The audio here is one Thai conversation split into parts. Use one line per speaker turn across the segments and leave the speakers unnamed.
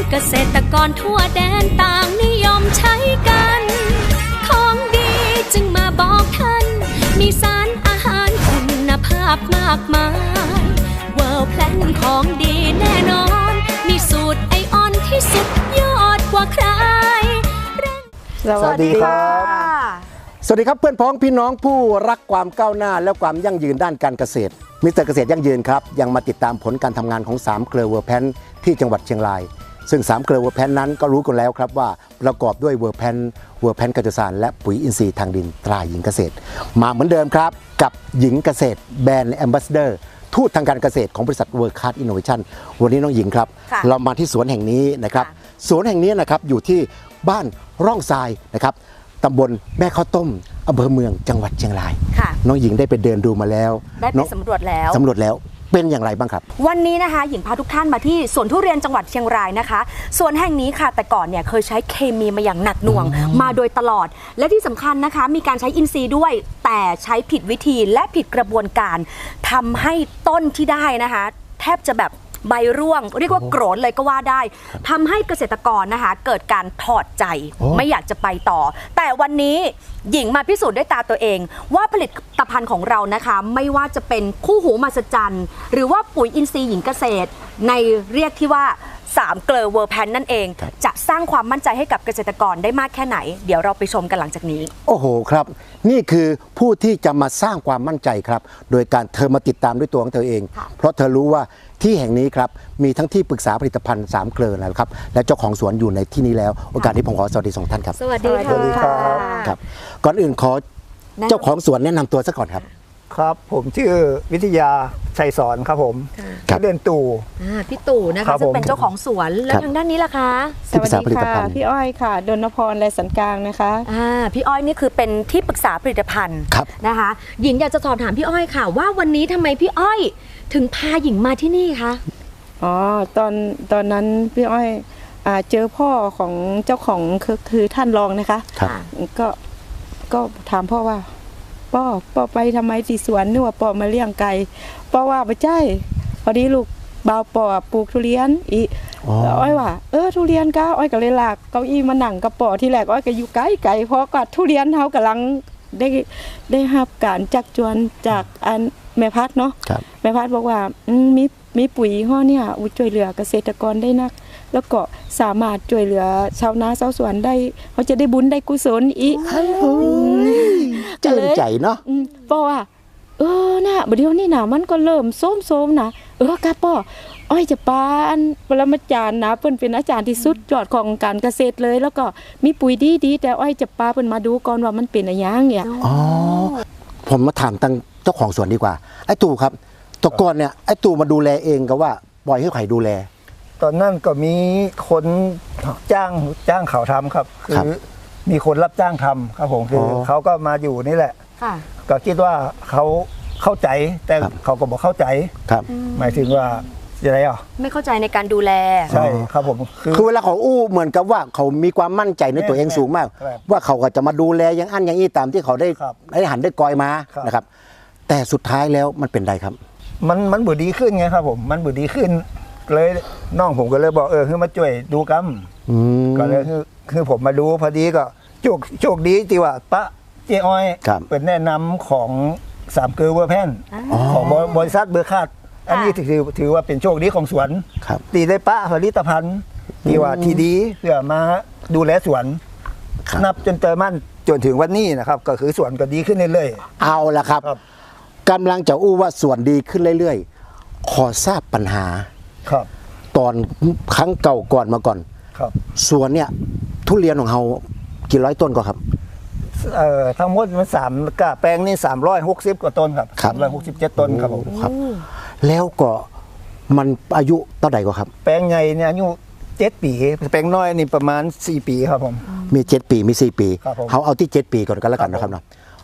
เกษตรกรทั่วแดนต่างนิยมใช้กันของดีจึงมาบอกท่านมีสารอาหารคุณภาพมากมายเวิร์แพลนของดีแน่นอนมีสูตรไอออนที่สุดยอดกว่าใคร
สวัสดีครับสวัสดีครับเพื่อนพ้องพี่น้องผู้รักความก้าวหน้าและความยั่งยืนด้านการเกษตรมิสเตอร์เกษตรยั่งยืนครับยังมาติดตามผลการทำงานของ3เกลือเวอร์แพนที่จังหวัดเชียงรายซึ่ง3เกลือเวอร์แพนนั้นก็รู้กันแล้วครับว่าประกอบด้วยเวอร์แพนกัจจสารและปุ๋ยอินทรีย์ทางดินตราหญิงเกษตรมาเหมือนเดิมครับกับหญิงเกษตรแบรนด์แอมบาสเดอร์ทูตทางการเกษตรของบริษัทเวิร์คคาร์ดอินโนเวชั่นวันนี้น้องหญิงครับเรามาที่สวนแห่งนี้นะครับสวนแห่งนี้นะครับอยู่ที่บ้านร่องทรายนะครับตำบลแม่ข้าวต้มอำเภอเมืองจังหวัดเชียงรายน้องหญิงได้ไปเดินดูมาแล้ว
ได้ไปสำรวจแล้ว
เป็นอย่างไรบ้างครับ
วันนี้นะคะหญิงพาทุกท่านมาที่สวนทุเรียนจังหวัดเชียงรายนะคะสวนแห่งนี้ค่ะแต่ก่อนเนี่ยเคยใช้เคมีมาอย่างหนักหน่วงมาโดยตลอดและที่สำคัญนะคะมีการใช้อินทรีย์ด้วยแต่ใช้ผิดวิธีและผิดกระบวนการทำให้ต้นที่ได้นะคะแทบจะแบบใบร่วงเรียกว่าโกรธเลยก็ว่าได้ทำให้เกษตรกรนะคะเกิดการถอดใจไม่อยากจะไปต่อแต่วันนี้หญิงมาพิสูจน์ด้วยตาตัวเองว่าผลิตภัณฑ์ของเรานะคะไม่ว่าจะเป็นคู่หูมหัศจรรย์หรือว่าปุ๋ยอินทรีย์หญิงเกษตรในเรียกที่ว่า3เกลือเวอร์แพนนั่นเองจะสร้างความมั่นใจให้กับเกษตรกรได้มากแค่ไหนเดี๋ยวเราไปชมกันหลังจากนี้
โอ้โหครับนี่คือผู้ที่จะมาสร้างความมั่นใจครับโดยการเธอมาติดตามด้วยตัวของเธอเองเพราะเธอรู้ว่าที่แห่งนี้ครับมีทั้งที่ปรึกษาผลิตภัณฑ์3เกลือนะครับและเจ้าของสวนอยู่ในที่นี้แล้วโอกาสนี้ผมขอสวัสดี2ท่านครับ
สวัสดี
ครับก่อนอื่นขอเจ้าของสวนแนะนำตัวซะก่อนครับ
ครับผมชื่อวิทยาชัยสอนครับผมเดินตู่
พี่ตู่นะคะซึ่งเป็นเจ้าของสวนแล้วทางด้านนี้ล่ะคะ
สวัสดีค่ะ
พี่อ้อยค่ะดลพรไรสันกลางนะคะ
พี่อ้อยนี่คือเป็นที่ปรึกษาผลิตภัณฑ์นะคะหญิงอยากจะสอบถามพี่อ้อยค่ะว่าวันนี้ทำไมพี่อ้อยถึงพาหญิงมาที่นี่คะ
อ๋อตอนนั้นพี่อ้อยเจอพ่อของเจ้าของคือท่านรองนะคะก็ถามพ่อว่าป้อไปทำไมที่สวนนึกว่าป้อมาเลี้ยงไก่ป้อว่าไปใช่พอดีลูกบ่าวป้อปลูกทุเรียนอีอ้อยว่าทุเรียนก็อ้อยก็เลยลากเก้าอี้มานั่งกับป้อที่แรกอ้อยก็อยู่ไกลเพราะก็ทุเรียนเขากำลังได้รับการจักจวนจากอันแม่พัดเนาะแม่พัดบอกว่ามีปุ๋ยห่อเนี่ยช่วยเหลือเกษตรกรได้นักแล้วก็สามารถช่วยเหลือชาวนาชาวสวนได้เขาจะได้บุญได้กุศลอีก
เจริญใจเนาะ
เพราะว่านะเดี๋ยวนี้นะมันก็เริ่มโซมนะกะป้ออ้อยจะปานปรมาจารย์นะเพิ่นเป็นอาจารย์ที่สุดยอดของการเกษตรเลยแล้วก็มีปุ๋ยดีแต่อ้อยจะปาเพิ่นมาดูก่อนว่ามันเป็นอะไรอย่างเนี่ย
ผมมาถามตั้งเจ้าของสวนดีกว่าไอ้ตู่ครับตะกอนเนี่ยไอ้ตู่มาดูแลเองก็ว่าปล่อยให้ใครดูแล
ตอนนั้นก็มีคนจ้างเขาทำครับคือมีคนรับจ้างทำครับผมคือเขาก็มาอยู่นี่แหละก็คิดว่าเขาเข้าใจแต่เขาก็บอกเข้าใจหมายถึงว่าอะไร
ไม่เข้าใจในการดูแล
ใช่ครับผม
คือเวลาเขาอู้เหมือนกับว่าเขามีความมั่นใจในตัวเองสูงมากว่าเขาก็จะมาดูแลอย่างอันอย่างนี้ตามที่เขาได้หันได้กอยมานะครับแต่สุดท้ายแล้วมันเป็นไรครับ
มันบุดีขึ้นไงครับผมมันบุดีขึ้นเลยน้องผมก็เลยบอกคือมาช่วยดูกัมก็เลยคือผมมาดูพอดีก็โชคดีที่ว่าปะเจ้อ้อยเป็นแนะนำของ3เกลือเวอร์แพนของบริษัทเบอร์คาดอันนี้ถือว่าเป็นโชคดีของสวนตีได้ปะผลิตภัณฑ์ที่ว่าทีดีเพื่อมาดูแลสวนนับจนเติมมั่นจนถึงวันนี้นะครับก็คือสวนก็ดีขึ้นเรื่อย
ๆเอาละครับกำลังจะอู้ว่าสวนดีขึ้นเรื่อยๆขอทราบปัญหาตอนครั้งเก่าก่อนมาก่อนสวนเนี่ยทุเรียนของเรากี่ร้อยต้นก็ครับ
ทั้งหมดมัน3กะแปลงนี่360กว่าต้นครับ367ต้นครับผม
ครับแล้วก็มันอายุเท่าไหร่ก็ครับ
แปลงใหญ่เนี่ยอายุ7 ปีแปลงน้อยนี่ประมาณ4 ปีครับผม
มี7 ปีมี4 ปีเขาเอาที่7 ปีก่อนก็แล้วกันนะครับเนาะ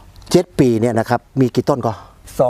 7 ปีเนี่ยนะครับมีกี่ต้นก็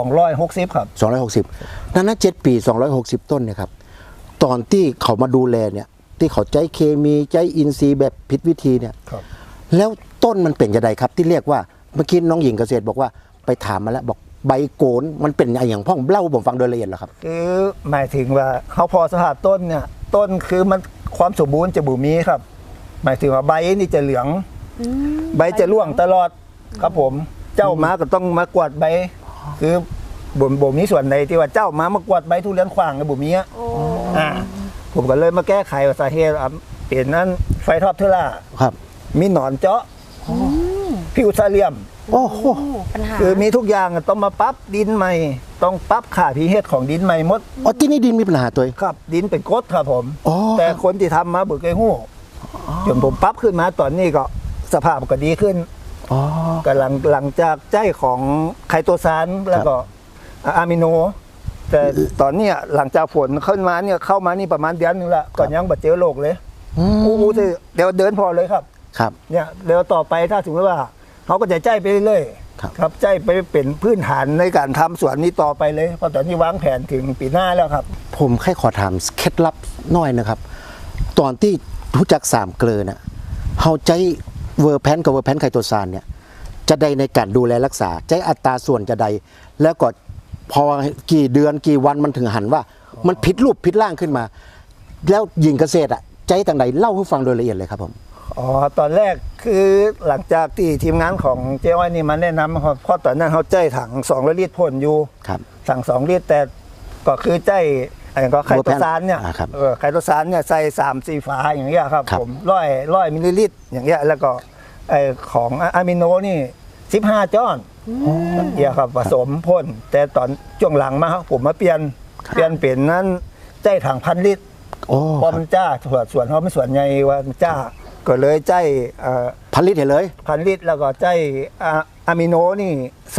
260ครับ
260นั้น7 ปี260ต้นเนี่ยครับตอนที่เขามาดูแลเนี่ยที่เขาใจเคมีใจอินทรีย์แบบผิดวิธีเนี่ยแล้วต้นมันเป็นยังไงครับที่เรียกว่าเมื่อกี้น้องหญิงเกษตรบอกว่าไปถามมาแล้วบอกใบโกนมันเป็นอย่างพ่องเล่าผมฟังโดยละเอียดเหรอครับ
คือหมายถึงว่าเขาพอสภาพต้นเนี่ยต้นคือมันความสมบูรณ์จะบุมีครับ หมายถึงว่าใบนี่จะเหลืองใบจะร่วงตลอดครับผมเจ้ามาก็ต้องมากวาดใบคือบ่มีส่วนใดที่ว่าเจ้ามากวาดใบทุเรียนขวางกับบุมีผมก็เลยมาแก้ไขสาเหตุเปลี่ยนนั้นไฟท็อปเทอร่า
ครับ
มีหนอนเจาะพิวซาเลียม
โอ้โห
ปัญหา
คือมีทุกอย่างต้องมาปรับดินใหม่ต้องปรับค่า pH ของดินใหม่หมด
อ๋อที่นี่ดินมีปัญหาตัว
ครับดินเป็นกรดครับผม แต่
ครับ
คนที่ทำมาบุกไอ้หู้จนผมปรับขึ้นมาตอนนี้ก็สภาพก็ดีขึ้นก็หลังจากใจของไคโตซานแล้วก็อะมิโน แต่ตอนนี้หลังจากฝนเข้ามาเนี่ยเข้ามานี่ประมาณเดือนนึงละก่อนยังบัดเจอโรคเลยอู้เดี๋ยวเดินพอเลยครับ
ครับ
เนี่ยเดี๋ยวต่อไปถ้าสมมติว่าเขาก็จะใจไปเรื่อยๆครับใจไปเป็นพื้นฐานในการทำสวนนี้ต่อไปเลยเพราะตอนนี้วางแผนถึงปีหน้าแล้วครับ
ผมแค่ขอถามเคล็ดลับน้อยนะครับตอนที่รู้จัก3 เกลือน่ะเฮาใจเวอร์แพนกับเวอร์แพนไคโตซานเนี่ยจะได้ในการดูแลรักษาใจอัตราส่วนจะใดแล้วก็พอกี่เดือนกี่วันมันถึงหันว่ามันผิดรูปผิดร่างขึ้นมาแล้วยิงเกษตรใจต่างใดเล่าให้ฟังโดยละเอียดเลยครับผม
ตอนแรกคือหลังจากที่ทีมงานของเจ้อ้อยนี่มาแนะนำครับเพราะตอนนั้นเขาใจถัง2ลิตรพ่นอยู่ถัง2ลิตรแต่ก็คือใจอะไรก็ไคโตซานเนี่ยไคโตซานเนี่ยใส่3-4 ฝาอย่างเงี้ยครับผมร้อยมิลลิลิตรอย่างเงี้ยแล้วก็ไอของอะมิโนนี่15 จ้อนเงี้ยครับผสมพ่นแต่ตอนช่วงหลังมาผมมาเปลี่ยนเป็นนั้นใจถัง1,000 ลิตรพอมันจ้าส่วนเขาไม่ส่วนใหญ่ว่ามันจ้าก็เลยใจ
1,000 ลิตรเลย
1,000 ลิตรแล้วก็ใจอะมิโนนี่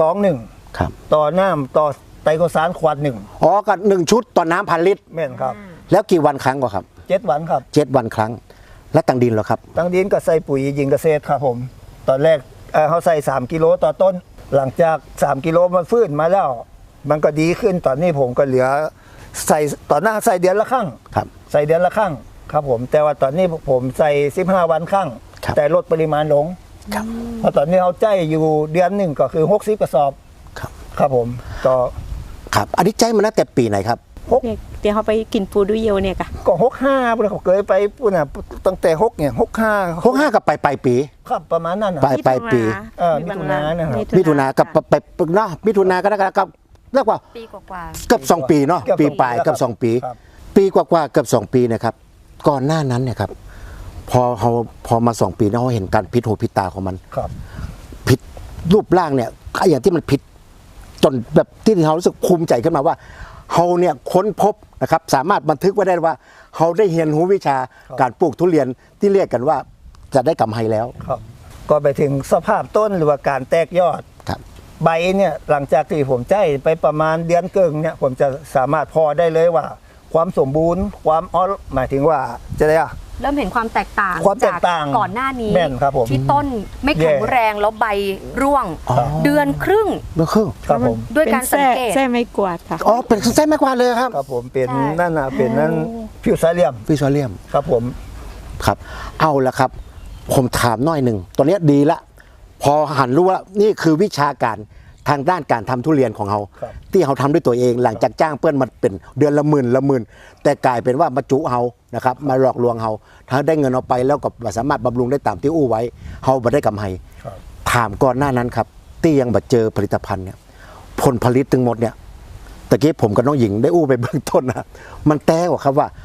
2-1
ครับ
ต่อน้ำต่อไตรโคซานขวด1
อ๋อก็1 ชุดต่อน้ำ1,000 ลิตร
แม่นครับ
แล้วกี่วันครั้งก็ครับ
7 วันครับ
7 วันครั้งและตั้งดินเหรอครับ
ตั้งดินก็ใส่ปุ๋ยยิงเกษตรครับผมตอนแรกเขาใส่3 กิโลต่อต้นหลังจาก3 กิโลมันฟื้นมาแล้วมันก็ดีขึ้นตอนนี้ผมก็เหลือใส่ต่อหน้าใส่เดือนละครั้งใส่เดือนละครั้งครับผมแต่ว่าตอนนี้ผมใส่15 วันครั้งแต่ลดปริมาณลงเพราะตอนนี้เอาใจอยู่เดือนหนึ่งก็คือ60 กระสอบครับผมต่อ
ครับอันนี้ใจมันตั้งแต่ปีไหนครับ
เดี๋ยวเขาไปกินปูดูเยวเนี่ย
ก็65ผมเคยไปปุ่นน่ะตั้งแต่6เนี่ย65
กับปลายปี
ครับประมาณนั้น
ปลายปี
มิถุนายนนะครับ
มิถุนากับไปเนาะมิถุนาก็กับเรียกว่า
ปีกว่า
เกือบ2 ปีเนาะปีปลายกับ2 ปีปีกว่าเกือบ2 ปีนะครับก่อนหน้านั้นเนี่ยครับพอมา2 ปีแล้วเราเห็นการพิษหูพิษตาของมันผิดรูปร่างเนี่ยอย่างที่มันผิดจนแบบที่เรารู้สึกภูมิใจขึ้นมาว่าเราเนี่ยค้นพบนะครับสามารถบันทึกไว้ได้ว่าเราได้เรียนรู้วิชาการปลูกทุเรียนที่เรียกกันว่าจะได้กำไรแล้ว
ก็ไปถึงสภาพต้นหรือว่าการแตกยอดใบเนี่ยหลังจากที่ผมใจไปประมาณเดือนเกินเนี่ยผมจะสามารถพอได้เลยว่าความสมบูรณ์ความหมายถึงว่าจะได้
เริ่มเห็นความแตกต่าง
จาก
ก่อนหน้านี้
ที่
ต้นไม่แข็งแรงแล้วใบร่วงเดือนครึ่ง
ครับผม
ด้วยการสังเกต
แส้ไม้กวาดค่ะ
เป็นแส้ไม้กวาดเลยครับ
ครับผมเป็นนั่นนะเป็นนั่นพิวซาเลียมครับผม
ครับเอาละครับผมถามหน่อยหนึ่งตอนนี้ดีละพอหันรู้ว่านี่คือวิชาการทางด้านการทำทุเรียนของเราที่เราทำด้วยตัวเองหลังจากจ้างเพื่อนมาเป็นเดือนละหมื่นแต่กลายเป็นว่ามาจุเรานะครับมาหลอกลวงเราถ้าได้เงินเอาไปแล้วก็สามารถบำรุงได้ตามที่อู้ไว้เราบ่ได้กำไรถามก่อนหน้านั้นครับที่ยังบ่เจอผลิตภัณฑ์เนี่ยผลผลิตทั้งหมดเนี่ยตะกี้ผมกับน้องหญิงได้อู้ไปเบื้องต้นนะมันแต้กว่าครับว่า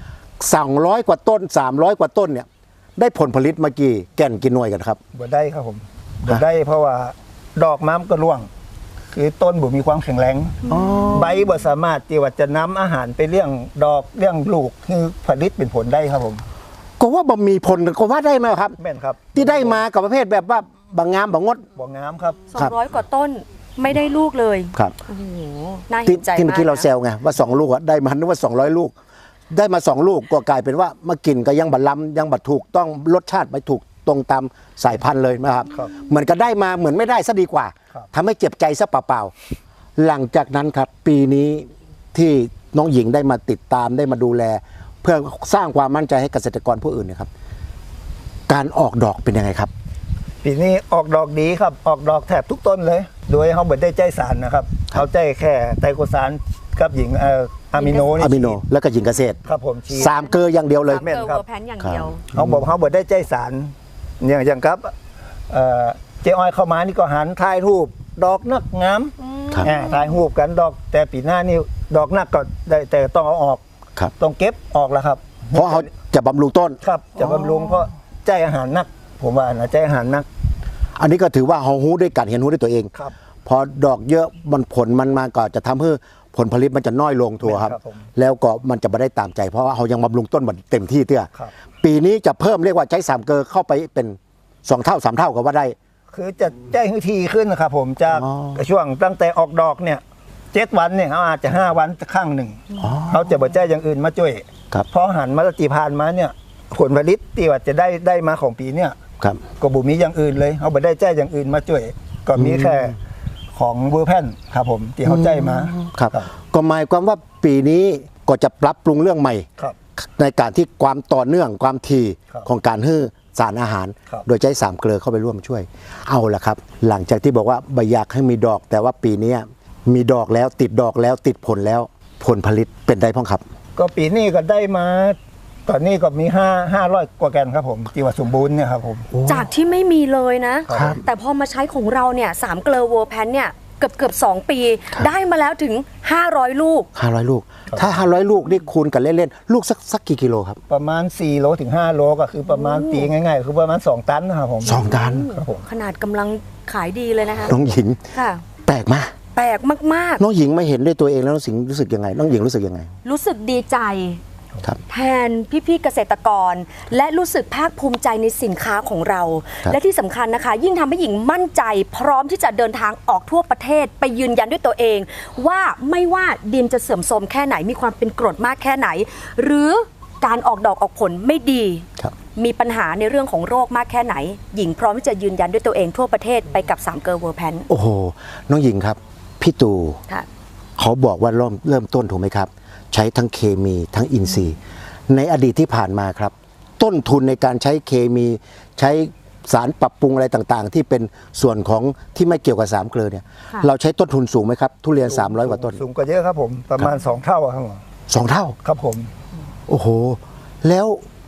200 กว่าต้น300 กว่าต้นเนี่ยได้ผลผลิตมากี่แก่นกี่หน่วยกันครับ
บ่ได้ครับผมบ่ได้เพราะว่าดอกม้ามก็ร่วงคือต้นบ่มีความแข็งแรงใบบ่สามารถที่ว่าจะนำอาหารไปเลี้ยงดอกเลี้ยงลูกคือผลิตเป็นผลได้ครับผม
ก็ว่าบ่มีผลก็ว่าได้ไหมครับ
แม่นครับ
ที่ได้มากับประเภทแบบว่าบางงามบางงด
บ่งามครับ
200 กว่าต้นไม่ได้ลูกเลย
ครับ
โอ้โหน่าเห็นใจมาก
ที่เมื่อกี้เราแซวไงว่า2 ลูกได้มานึกว่า200 ลูกได้มา2 ลูกก็กลายเป็นว่ามากินก็ยังบัดล้ำยังบัดถูกต้องรสชาติไม่ถูกตรงตามสายพันธุ์เลยนะครับเหมือนก็ได้มาเหมือนไม่ได้ซะดีกว่าทำให้เจ็บใจซะเปล่าๆหลังจากนั้นครับปีนี้ที่น้องหญิงได้มาติดตามได้มาดูแลเพื่อสร้างความมั่นใจให้เกษตรกรผู้อื่นนะครับการออกดอกเป็นยังไงครับ
ปีนี้ออกดอกดีครับออกดอกแทบทุกต้นเลยโดยเขาไม่ได้ใจสารนะครับเขาใจแค่ไตรโคซานกับหญิงอะมิโนนี่
อะมิโนแล้วก็หญิงเกษตร
ครับผมฉีด
3 เกลืออย่างเดียวเลย
3 เกลอเวอร์แพนอย่างเดียว
เขาบอกได้ใจสารอย่างครับเจ๊อ้อยเข้ามานี่ก็หันถ่ายรูปดอกนักงาม
ครับ
ถ่ายรูปกันดอกแต่ปีหน้านี่ดอกนักก็ได้แต่ต้องเอาออก
ครับ
ต้องเก็บออกแล้วครับ
เพราะเขาจะบำรุงต้น
ครับจะบำรุงเพราะใจอาหารนัก ผมว่านะใจอาหารนัก
อันนี้ก็ถือว่าเขาหู้ด้วยกันเห็นหู้ด้วยตัวเอง
ครับ
พอดอกเยอะมันผลมันมาก็จะทำให้ผลผลิตมันจะน้อยลงทัวครับ
ครับผม
แล้วก็มันจะไม่ได้ตามใจเพราะว่าเขายังบำรุงต้นมันเต็มที่เตื้อ
ครับ
ปีนี้จะเพิ่มเรียกว่าใช้3 เกลือเข้าไปเป็น2 เท่า 3 เท่าก็ว่าได้
คือจะใจให้ทีขึ้นนะครับผมจาก
อ๋อ
ช่วงตั้งแต่ออกดอกเนี่ย7 วันเนี่ยเขาอาจจะ5 วันข้างหนึ่ง
อ๋อ
เขาจะบ่ใจอย่างอื่นมาช่วย
ครับ
เพราะหันมาตีพานมาเนี่ยผลผลิตที่ว่าจะได้มาของปีเนี่ย
ครับ
ก็บุมีอย่างอื่นเลยเขาบ่ได้ใจอย่างอื่นมาช่วย ก็มีแค่ของเวอร์แพนครับผมที่เขาใจมา
ครับก็หมายความว่าปีนี้ก็จะปรับปรุงเรื่องใหม่
ครับ
ในการที่ความต่อเนื่องความถี่
ครับ
ของการให้สารอาหาร
ครับ
โดยใช้3 เกลือเข้าไปร่วมช่วย เอาละครับ หลังจากที่บอกว่าไม่อยากให้มีดอก แต่ว่าปีนี้มีดอกแล้วติดดอกแล้วติดผลแล้วผลผลิตเป็นได้พ้องครับ
ก็ปีนี้ก็ได้มา ตอนนี้ก็มี500 กว่าแกนครับผมที่ว่าสมบูรณ์เนี่ยครับผม
จากที่ไม่มีเลยนะ
ครับ
แต่พอมาใช้ของเราเนี่ย3 เกลอเวอร์แพนเนี่ยเกือบ2 ปี ได้มาแล้วถึง 500 ลูก
500 ลูก ถ้า 500 ลูกนี่คูณกันเล่นๆลูกสักกี่กิโลครับ
ประมาณ4 โลถึง 5 โลก็คือประมาณตีง่ายๆคือประมาณ 2 ตันนะครับผม
2 ตัน
ครับผม
ขนาดกำลังขายดีเลยนะคะ
น้องหญิง
ค่ะ
แปลกมาก
แปลกมาก
น้องหญิงไม่เห็นด้วยตัวเองแล้วน้องสิงรู้สึกยังไงน้องหญิงรู้สึกยังไง
ๆ รู้สึกดีใจ
ครับ
แทนพี่ๆเกษตรกร และรู้สึกภาคภูมิใจในสินค้าของเรา
ครับ
และที่สำคัญนะคะ ยิ่งทำให้หญิงมั่นใจ พร้อมที่จะเดินทางออกทั่วประเทศ ไปยืนยันด้วยตัวเอง ว่าไม่ว่าดินจะเสื่อมโทรมแค่ไหนมีความเป็นกรดมากแค่ไหน หรือการออกดอกออกผลไม่ดี
ครับ
มีปัญหาในเรื่องของโรคมากแค่ไหน หญิงพร้อมที่จะยืนยันด้วยตัวเองทั่วประเทศไปกับ3 เกลอเวอร์แพน
โอ้โหน้องหญิงครับพี่ตู่
ค่ะ
เขาบอกว่าเริ่มต้นถูกไหมครับ ใช้ทั้งเคมีทั้งอินทรีย์ ในอดีตที่ผ่านมาครับ ต้นทุนในการใช้เคมีใช้สารปรับปรุงอะไรต่างๆ ที่เป็นส่วนของที่ไม่เกี่ยวกับ3 เกลือเนี่ย
ค่ะ
เราใช้ต้นทุนสูงไหมครับ ทุเรียน 300 กว่าต้น
สูงกว่าเยอะครับผมประมาณ 2 เท่าอะครับผม
2 เท่า
ครับผม
โอ้โห แล้ว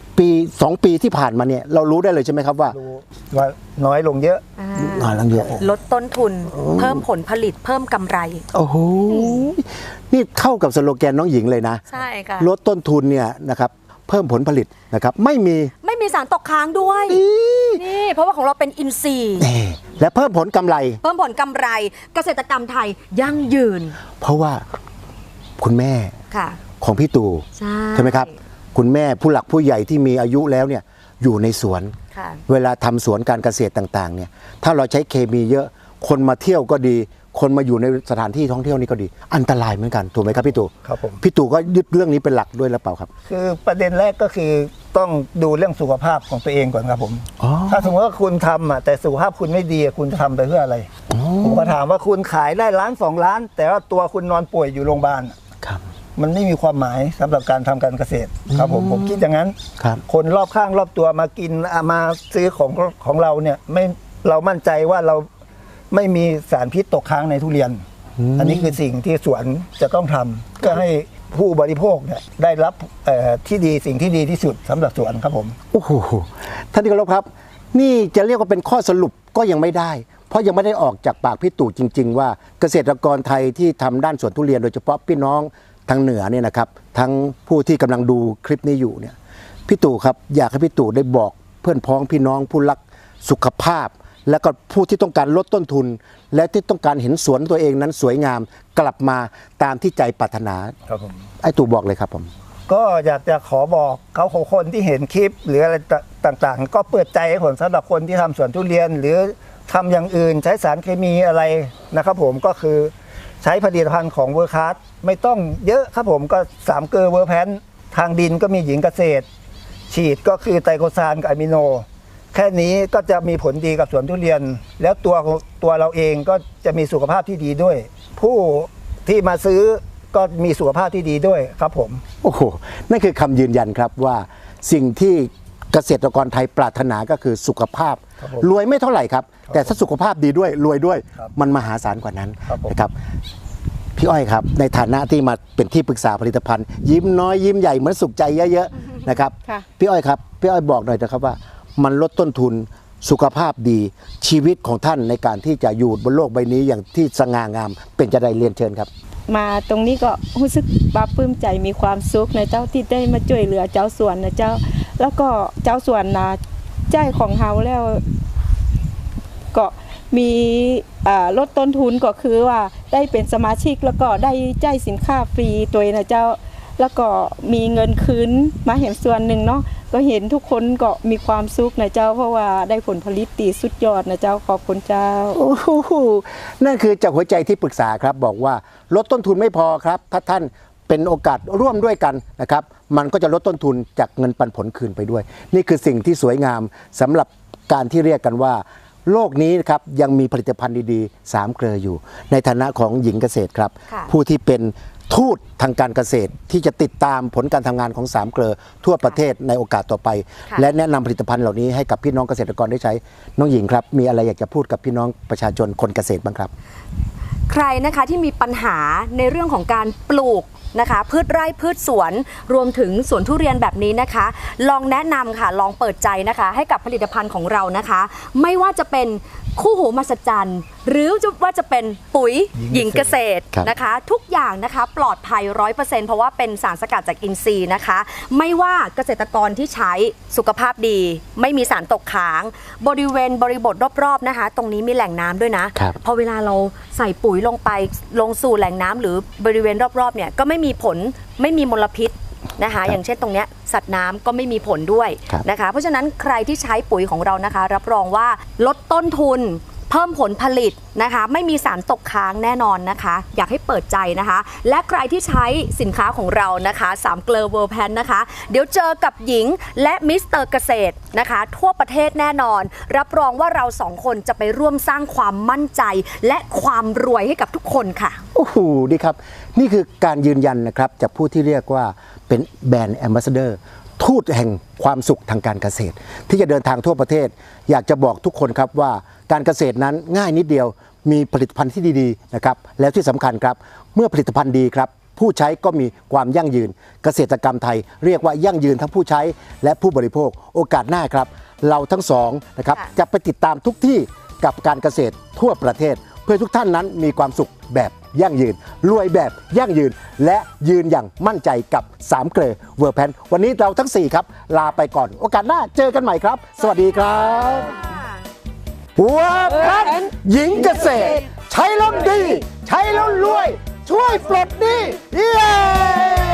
2 ปีที่ผ่านมาเนี่ยเรารู้ได้เลยใช่ไหมครับว่า
รู้ว่าน้อยลงเยอะ
น้อยลงเยอะ
ลดต้นทุน เพิ่มผลผลิตเพิ่มกำไร
โอ้โหนี่เข้ากับสโลแกนน้องหญิงเลยนะ
ใช่ค่ะ
ลดต้นทุนเนี่ยนะครับเพิ่มผลผลิตนะครับไม่มี
ไม่มีสารตกค้างด้วย นี่เพราะว่าของเราเป็นอินทรีย์
และเพิ่มผลกำไร
เพิ่มผลกำไร เกษตรกรรมไทยยั่งยืน
เพราะว่าคุณแม่
ค่ะ
ของพี่ตู่
ใช่
ไหมครับ คุณแม่ผู้หลักผู้ใหญ่ที่มีอายุแล้วเนี่ยอยู่ในสวน
ค่ะ
เวลาทำสวนการเกษตรต่างๆเนี่ยถ้าเราใช้เคมีเยอะคนมาเที่ยวก็ดี คนมาอยู่ในสถานที่ท่องเที่ยวนี่ก็ดี อันตรายเหมือนกันถูกไหมครับพี่ตู่
ครับผม
พี่ตู่ก็ยึดเรื่องนี้เป็นหลักด้วยหรือเปล่าครับ
คือประเด็นแรกก็คือต้องดูเรื่องสุขภาพของตัวเองก่อนครับผม
อ๋อ
ถ้าสมมติว่าคุณทำอ่ะแต่สุขภาพคุณไม่ดีอะคุณจะทำไปเพื่ออะไร ผมก็ถามว่าคุณขายได้ล้าน2 ล้าน แต่ว่าตัวคุณนอนป่วยอยู่โรงพยาบาลอะ
ครับ
มันไม่มีความหมายสำหรับการทำการเกษตรครับผมคิดอย่างนั้น
ครับ
คนรอบข้างรอบตัวมากินมาซื้อของเราเนี่ยไม่เรามั่นใจว่าเราไม่มีสารพิษตกค้างในทุเรียน อันนี้คือสิ่งที่สวนจะต้องทำเพื่อให้ผู้บริโภคเนี่ยได้รับที่ดีสิ่งที่ดีที่สุดสำหรับสวนครับผม
โอ้โหท่านที่เคารพครับ นี่จะเรียกว่าเป็นข้อสรุปก็ยังไม่ได้ เพราะยังไม่ได้ออกจากปากพี่ตู่จริง ๆ ว่าเกษตรกรไทยที่ทำด้านสวนทุเรียนโดยเฉพาะพี่น้องทางเหนือเนี่ยนะครับทั้งผู้ที่กำลังดูคลิปนี้อยู่เนี่ยพี่ตู่ครับอยากให้พี่ตู่ได้บอกเพื่อนพ้องพี่น้องผู้รักสุขภาพ และก็ผู้ที่ต้องการลดต้นทุน และที่ต้องการเห็นสวนตัวเองนั้นสวยงามกลับมาตามที่ใจปรารถนา
ครับผม
ไอ้ตู่บอกเลยครับผม
ก็อยากจะขอบอกเขาคนที่เห็นคลิป หรืออะไรต่างๆ ก็เปิดใจให้ผมสำหรับคนที่ทำสวนทุเรียน หรือทำอย่างอื่นใช้สารเคมีอะไรนะครับผมก็คือใช้ผลิตภัณฑ์ของเวอร์คัสไม่ต้องเยอะครับผมก็3 เกลอเวอร์แพนทางดินก็มีหญิงเกษตร ฉีดก็คือไตรโคซานกับอะมิโน แค่นี้ก็จะมีผลดีกับสวนทุเรียน แล้วตัวเราเองก็จะมีสุขภาพที่ดีด้วย ผู้ที่มาซื้อก็มีสุขภาพที่ดีด้วยครับผม
โอ้โห นั่นคือคำยืนยันครับว่าสิ่งที่เกษตรกรไทยปรารถนาก็คือสุขภาพ
ครับผม
รวยไม่เท่าไหร่ครับ แต่ถ้าสุขภาพดีด้วยรวยด้วย
ครับ
มันมหาศาลกว่านั้น
ครับผม
นะครับ พพี่อ้อยครับในฐานะที่มาเป็นที่ปรึกษาผลิตภัณฑ์ ยิ้มน้อยยิ้มใหญ่เหมือนสุขใจเยอะๆนะครับ
ค่ะ
พี่อ้อยครับพี่อ้อยบอกหน่อยนะครับว่ามันลดต้นทุนสุขภาพดีชีวิตของท่านในการที่จะอยู่บนโลกใบนี้อย่างที่สง่างามเป็นจะได้เรียนเชิญครับ
มาตรงนี้ก็รู้สึกปลาบปลื้มใจมีความสุขในเจ้าที่ได้มาช่วยเหลือเจ้าสวนนะเจ้าแล้วก็เจ้าสวนนะใจของเฮาแล้วก็มีลดต้นทุนก็คือว่าได้เป็นสมาชิกแล้วก็ได้ใจายสินค้าฟรีตัวนะเจ้าแล้วก็มีเงินคืนมาเห็นส่วนหนึ่งเนาะก็เห็นทุกคนก็มีความสุขนะเจ้าเพราะว่าได้ผลผลิตตีสุดยอดนะเจ้าขอบคุณเจ้า
โอ้โหนั่นคือจากหัวใจที่ปรึกษาครับบอกว่าลดต้นทุนไม่พอครับถ้าท่านเป็นโอกาสร่วมด้วยกันนะครับมันก็จะลดต้นทุนจากเงินปันผลคืนไปด้วย นี่คือสิ่งที่สวยงามสำหรับการที่เรียกกันว่าโลกนี้นะครับยังมีผลิตภัณฑ์ดีๆ3 เกลืออยู่ ในฐานะของหญิงเกษตรครับ
ค่ะ
ผู้ที่เป็นทูตทางการเกษตรที่จะติดตามผลการทำงานของ3 เกลือทั่วประเทศในโอกาสต่อไป
ค่ะ
และแนะนำผลิตภัณฑ์เหล่านี้ให้กับพี่น้องเกษตรกรได้ใช้น้องหญิงครับมีอะไรอยากจะพูดกับพี่น้องประชาชนคนเกษตรบ้างครับ
ใครนะคะที่มีปัญหาในเรื่องของการปลูกนะคะพืชไร่พืชสวนรวมถึงสวนทุเรียนแบบนี้นะคะ ลองแนะนำค่ะลองเปิดใจนะคะ ให้กับผลิตภัณฑ์ของเรานะคะ ไม่ว่าจะเป็นคู่หูมหัศจรรย์หรือว่าจะเป็นปุ๋ยหญิงเกษตร
ครับ
นะคะ ทุกอย่างนะคะปลอดภัย 100% เพราะว่าเป็นสารสกัดจากอินทรีย์นะคะ ไม่ว่าเกษตรกรที่ใช้สุขภาพดี ไม่มีสารตกค้าง บริเวณบริบทรอบๆนะคะ ตรงนี้มีแหล่งน้ำด้วยนะครับ พอเวลาเราใส่ปุ๋ยลงไปลงสู่แหล่งน้ำหรือบริเวณรอบๆเนี่ยก็ไม่มีผลไม่มีมลพิษนะคะอย่างเช่นตรงเนี้ยสัตว์น้ำก็ไม่มีผลด้วย
ครับ
นะคะเพราะฉะนั้นใครที่ใช้ปุ๋ยของเรานะคะ รับรองว่าลดต้นทุนเพิ่มผลผลิตนะคะไม่มีสารตกค้างแน่นอนนะคะ อยากให้เปิดใจนะคะ และใครที่ใช้สินค้าของเรานะคะ3 เกลอเวิร์แพนนะคะเดี๋ยวเจอกับหญิงและมิสเตอร์เกษตรนะคะทั่วประเทศแน่นอน รับรองว่าเรา2 คนจะไปร่วมสร้างความมั่นใจ และความรวยให้กับทุกคนค่ะ
โอ้โหดีครับนี่คือการยืนยันนะครับจากผู้ที่เรียกว่าเป็นแบรนด์แอมบาสเดอร์ทูตแห่งความสุขทางการเกษตร ที่จะเดินทางทั่วประเทศ อยากจะบอกทุกคนครับว่าการเกษตรนั้นง่ายนิดเดียวมีผลิตภัณฑ์ที่ดีๆนะครับแล้วที่สำคัญครับเมื่อผลิตภัณฑ์ดีครับผู้ใช้ก็มีความยั่งยืน เกษตรกรรมไทย เรียกว่ายั่งยืนทั้งผู้ใช้และผู้บริโภคโอกาสหน้าครับเราทั้งสองนะครับ
ค่ะ
จะไปติดตามทุกที่กับการเกษตรทั่วประเทศ เพื่อทุกท่านนั้นมีความสุขแบบยั่งยืนรวยแบบยั่งยืน และยืนอย่างมั่นใจกับ3 เกลอเวอร์แพนวันนี้เราทั้ง 4 ครับ ลาไปก่อน โอกาสหน้าเจอกันใหม่ครับ สวัสดีครับเวอร์แพนหญิงเกษตร ใช้แล้วดี ใช้แล้วรวย ช่วยปลดหนี้เย้